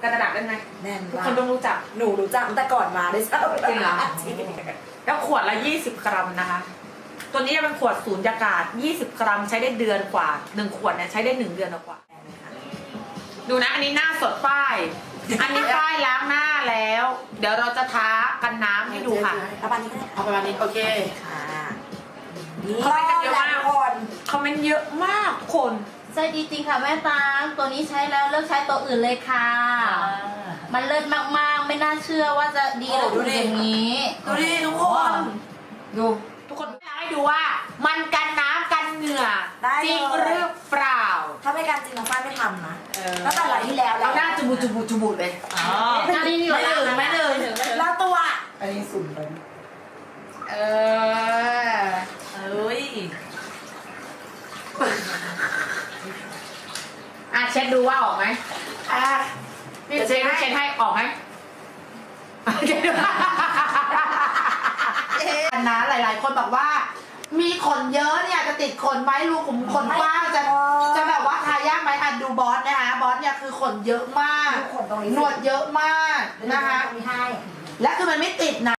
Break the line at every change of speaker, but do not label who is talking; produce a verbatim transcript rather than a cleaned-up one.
กันกระดาษได้ไหม
แน่น
ทุก
มา
คน
ก
ต้องรู้จัก
หนูรู้จักตั้งแต่ก่อนมาด้วยซ้ำ
จริงเหรอ
จริง
แล้วขวดละยี่สิบกรัมนะคะ ตัวนี้จะเป็นขวดสูญญากาศยี่สิบกรัมใช้ได้เดือนกว่าหนึ่งขวดเนี่ยใช้ได้หนึ่งเดือนกว่าดูนะอันนี้หน้าสดป้าย อันนี้ป้ายล้างหน้าแล้ว เดี๋ยวเราจะท้ากันน้ำให้ดูค่ะ
เอาปานนี้ก็ได้
เอาประมาณนี้โอเค
ค่ะนี่
คอมเมนต์กันเยอะมาก
ทุกคน
คอมเมนต์เยอะมากทุกคน
ใช่ดีจริงค่ะแม่ตางตัวนี้ใช้แล้วเลิกใช้ตัวอื่นเลยค่ะ มันเลิศมากๆ ไม่น่าเชื่อว่าจะดีแล้วถึงอย่างนี้
ดูดิทุกคน
ดูทุกคนอยากให้ดูว่า มันกันน้ำกันเหงื่อ
ได้
จริง
เลย
หรือเปล่า
ถ้าไม่การจริงน้องฝ้ายไม่ทำนะตั้งแต่หลายที่แล้วแล้
เอา
ว
หน้าจุบุจุบุจุบุเลยอ๋อ
ไม่ดีดีกว่า
ไม่เลยไม่เลย
แล้วตัว
อันนี้สุ่มไป
เออ
เอ้ย
อ่ะเช็ดดูว่าออกไหม
อ่ะ
นี่เช็ดให้เช็ดให้ออกไหมเช็ดดู
อันนะหลาย ๆ คนบอกว่า มีขนเยอะเนี่ยจะติดขนไหมรูขุมขนกว้างจะจะแบบว่าทายากไหมอันดูบอสนะคะบอสเนี่ยคือขนเยอะมาก
ดูขนตรงนี้
หนวดเยอะมากนะคะ
ตรงนี้ให้
และคือมันไม่ติดนะ